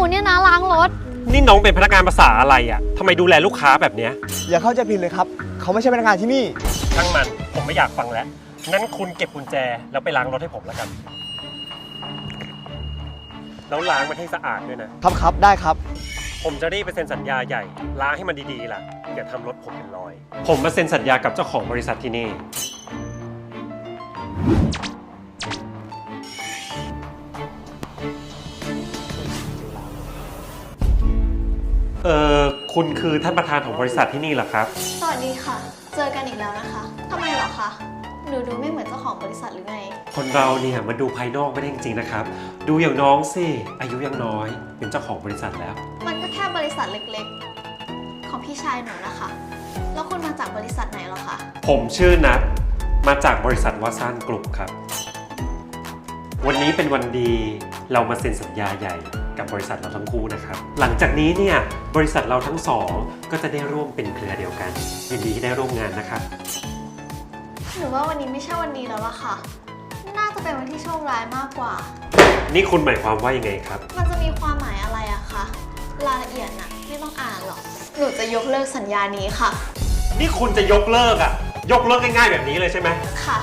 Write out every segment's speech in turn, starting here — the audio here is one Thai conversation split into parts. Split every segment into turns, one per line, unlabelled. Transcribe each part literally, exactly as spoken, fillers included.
เนี่ยนะล้างรถ
นี่น้องเป็นพนักงานภาษาอะไรอ่ะทำไมดูแลลูกค้าแบบเนี้ย
อย่าเข้าใจผิดเลยครับเขาไม่ใช่พนักงานที่นี่
ช่างมันผมไม่อยากฟังแล้วงั้นคุณเก็บกุญแจแล้วไปล้างรถให้ผมแล้วกันแล้วล้างมันให้สะอาดด้วยนะครับ
ครับได้ครับ
ผมจะรีบไปเซ็นสัญญาใหญ่ล้างให้มันดีๆล่ะอย่าทำรถผมเป็นรอยผมมาเซ็นสัญญากับเจ้าของบริษัทที่นี่เออคุณคือท่านประธานของบริษัทที่นี่เหรอครับ
สวัสดีค่ะเจอกันอีกแล้วนะคะทำไมเหรอคะหนูดูไม่เหมือนเจ้าของบริษัทหรือไง
คนเราเนี่ยมันดูภายนอกไม่ได้จริงๆนะครับดูอย่างน้องสิอายุยังน้อยเป็นเจ้าของบริษัทแล้ว
มันก็แค่บริษัทเล็กๆของพี่ชายหนูนะคะแล้วคุณมาจากบริษัทไหนเหรอคะ
ผมชื่อนัทมาจากบริษัทวาซานกลุ่มครับวันนี้เป็นวันดีเรามาเซ็นสัญญาใหญ่กับบริษัทเราทั้งคู่นะครับหลังจากนี้เนี่ยบริษัทเราทั้งสองก็จะได้ร่วมเป็นเครือเดียวกันยินดีที่ได้ร่วมงานนะครับ
หนูว่าวันนี้ไม่ใช่วันดีแล้วล่ะค่ะน่าจะเป็นวันที่โชคร้ายมากกว่า
นี่คุณหมายความว่ายังไงครับ
มันจะมีความหมายอะไรอะคะรายละเอียดน่ะไม่ต้องอ่านหรอกหนูจะยกเลิกสัญญานี้ค่ะ
นี่คุณจะยกเลิกอะยกเลิกง่ายๆแบบนี้เลยใช่ไหม
ค่ะ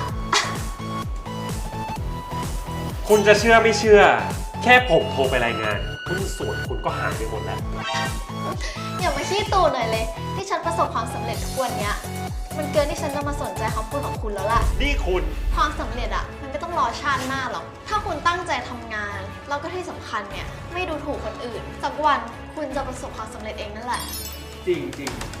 คุณจะเชื่อไม่เชื่อแค่ผมโทรไปรายงานหุ้นส่วนคุณก็หายไปหมดแล้ว
อย่ามาขี้ตูหน่อยเลยที่ฉันประสบความสำเร็จทุกวันนี้มันเกินที่ฉันจะมาสนใจคำพูดของคุณแล้วล่ะ
นี่คุณ
ความสำเร็จอะมันไม่ต้องรอชาติหน้าหรอกถ้าคุณตั้งใจทำงานแล้วก็ที่สำคัญเนี่ยไม่ดูถูกคนอื่นสักวันคุณจะประสบความสำเร็จเองนั่นแหละ
จริงจริง